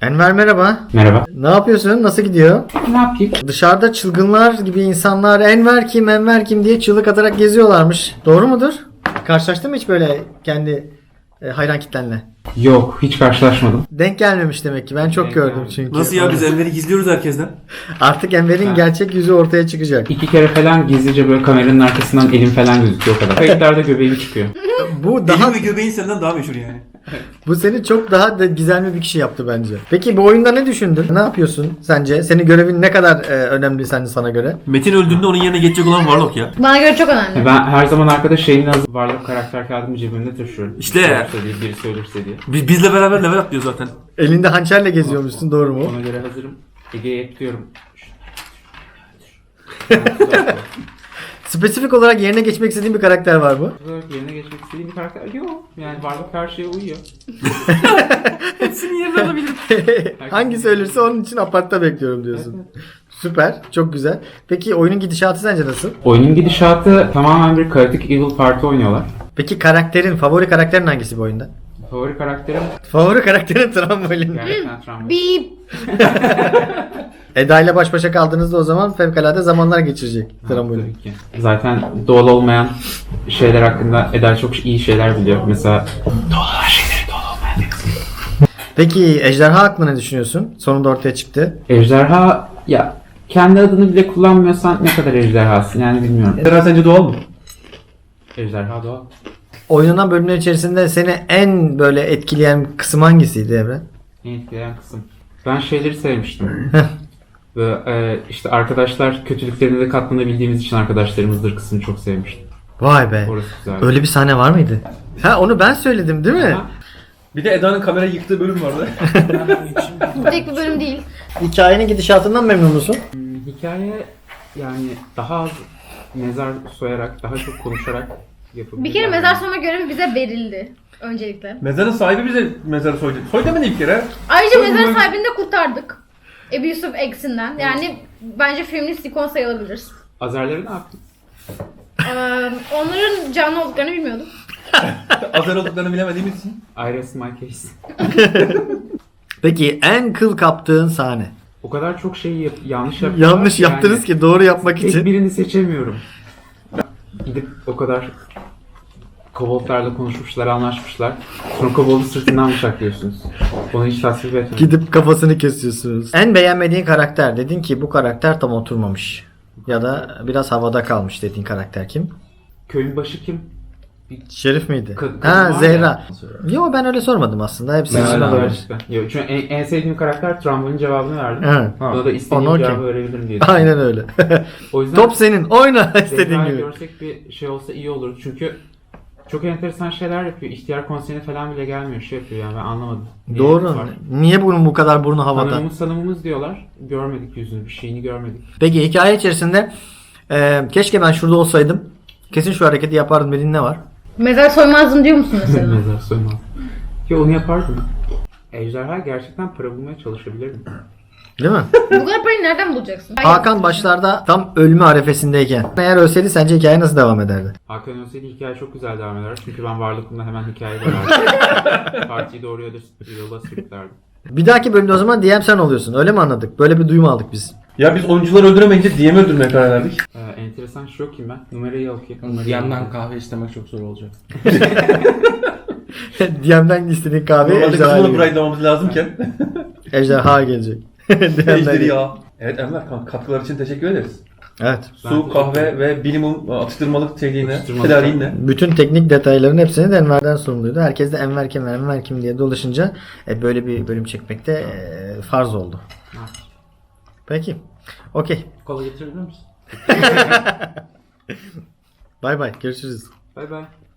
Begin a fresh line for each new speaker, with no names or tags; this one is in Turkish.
Enver merhaba.
Merhaba.
Ne yapıyorsun? Nasıl gidiyor?
Ne yapayım?
Dışarıda çılgınlar gibi insanlar Enver kim Enver kim diye çığlık atarak geziyorlarmış. Doğru mudur? Karşılaştın mı hiç böyle kendi hayran kitlenle?
Yok, hiç karşılaşmadım.
Denk gelmemiş demek ki. Ben çok
Denk
gördüm
gelmemiş.
çünkü.
Nasıl ya, biz Enver'i gizliyoruz herkesten.
Artık Enver'in
Ha.
gerçek yüzü ortaya çıkacak.
2 kere falan gizlice böyle kameranın arkasından elim falan gözüküyor o kadar. Kayıtlarda göbeğim çıkıyor.
Bu daha
Elin ve göbeğin senden daha meşhur yani.
bu seni çok daha da gizemli bir kişi yaptı bence. Peki bu oyunda ne düşündün? Ne yapıyorsun sence? Senin görevin ne kadar önemli sence sana göre?
Metin öldüğünde onun yerine geçecek olan Warlock ya.
Bana göre çok önemli.
Ben her zaman arkada şeyin hazır varlık karakter kağıdımı cebimde taşıyorum.
İşte.
Olursa diye, birisi ölürse diye.
Bizle beraber level atlıyor zaten.
Elinde hançerle geziyormuşsun, doğru mu?
Ona göre hazırım. Ege'ye ekliyorum.
Spesifik olarak yerine geçmek istediğin bir karakter var mı?
Yerine geçmek istediğim bir karakter yok. Yani varlık her şeye uyuyor.
Hepsini yerine alabilirim.
Hangisi ölürse onun için apartta bekliyorum diyorsun. Süper, çok güzel. Peki oyunun gidişatı sence nasıl?
Oyunun gidişatı tamamen bir Chaotic Evil Party oynuyorlar.
Peki favori karakterin hangisi bu oyunda?
Favori karakterim
Favori karakterin trambolin.
gerçekten travma.
Beep.
Eda ile baş başa kaldığınızda o zaman fevkalade zamanlar geçirecek trambolin.
Tabii ki. Zaten doğal olmayan şeyler hakkında Eda çok iyi şeyler biliyor. Mesela doğal olan şeyleri doğal olmayan kısmı.
Peki ejderha hakkında ne düşünüyorsun? Sonunda ortaya çıktı.
Ejderha ya kendi adını bile kullanmıyorsan ne kadar ejderhasın yani bilmiyorum.
Ejderha sence doğal mı?
Ejderha doğal.
Oynanan bölümler içerisinde seni en böyle etkileyen kısım hangisiydi Evren?
En etkileyen kısım. Ben şeyleri sevmiştim. Ve işte arkadaşlar kötülüklerine de katlanabildiğimiz için arkadaşlarımızdır kısmını çok sevmiştim.
Vay be.
Orası güzel.
Öyle bir sahne var mıydı? Ha onu ben söyledim değil mi?
Ama
Bir de Eda'nın kamerayı yıktığı bölüm vardı.
Bu tek bir bölüm değil.
Hikayenin gidişatından memnun musun?
hikaye yani daha az mezar soyarak, daha çok konuşarak yapılıyor.
Bir kere mezar soyma görevi bize verildi. Öncelikle.
Mezarın sahibi bize mezarı soydu. Soy demedi bir kere.
Ayrıca
Soydu
mezar
mu?
sahibini de kurtardık. Ebu Yusuf X'inden. Yani bence feminist ikon sayılabilir.
Azerleri ne yaptın?
Onların canlı olduklarını bilmiyordum.
Azer olduklarını bilemediğimiz için.
I rest my case.
Peki en kıl kaptığın sahne?
O kadar çok şeyi yanlış yaptılar.
Yanlış yaptınız ki doğru yapmak
Tek
için.
birini seçemiyorum. Gidip o kadar koboldlarla konuşmuşlar, anlaşmışlar. Sonra koboldu sırtından bıçaklıyorsunuz. Onu hiç tasvip etmedim.
Gidip kafasını kesiyorsunuz. En beğenmediğin karakter. Dedin ki bu karakter tam oturmamış. Ya da biraz havada kalmış dediğin karakter kim?
Köyün başı kim?
Şerif miydi?
Kadın
Ha
var
Zehra.
ya.
Yo ben öyle sormadım aslında. Hepsi
Ben
için
öyle
olabilir.
gerçekten. Yok, çünkü en sevdiğim karakter Trambol'in cevabını verdim.
Evet.
Ona da istediğim
Onu
cevabı
okey.
verebilirim diye.
Aynen öyle.
O yüzden
Top senin. Oyna istediğin
Zehra'yı
gibi.
görsek bir şey olsa iyi olur. Çünkü çok enteresan şeyler yapıyor. İhtiyar konserine falan bile gelmiyor. Şey yapıyor yani ben anlamadım. Niye
Doğru.
var?
Niye bunun bu kadar burnu havada?
Sanımımız diyorlar. Görmedik yüzünü, bir şeyini görmedik.
Peki hikaye içerisinde keşke ben şurada olsaydım. Kesin şu hareketi yapardım dediğin ne var?
Mezar soymazdım diyor musun mesela?
Mezar soymaz. Ya onu yapardım. Ejderha gerçekten para bulmaya çalışabilirdim.
Değil mi?
Bu kadar parayı nereden bulacaksın?
Hakan başlarda tam ölme arefesindeyken. Eğer ölseydi sence hikaye nasıl devam ederdi?
Hakan ölseydi hikaye çok güzel devam eder. Çünkü ben varlığımda hemen hikaye bölerdim. Partiyi doğru yola sürüklerdim.
Bir dahaki bölümde o zaman DM sen oluyorsun. Öyle mi anladık? Böyle bir duyum aldık biz.
Ya biz oyuncuları öldüremeyince DM'i öldürmeye karar verdik.
Enteresan şu yok kim ben? Numarayı okuyayım.
DM'den kahve istemek çok zor olacak.
DM'den istediğin kahve
Normalde
ejderha
kızımla
gelecek.
burayı demamız lazımken.
Ejderha gelecek.
Ejderi
DM'den.
ya. Evet Enver katkılar için teşekkür ederiz.
Evet.
Su, kahve ve minimum atıştırmalık şeyliğine,
Atıştırmalık.
tedariğinle.
Bütün teknik detayların hepsini de Enver'den sorumluydu. Herkes de Enver kim diye dolaşınca böyle bir bölüm çekmekte farz oldu.
Evet.
Peki. Okey.
Kola getirebilir misin?
Bay bay. Görüşürüz.
Bay bay.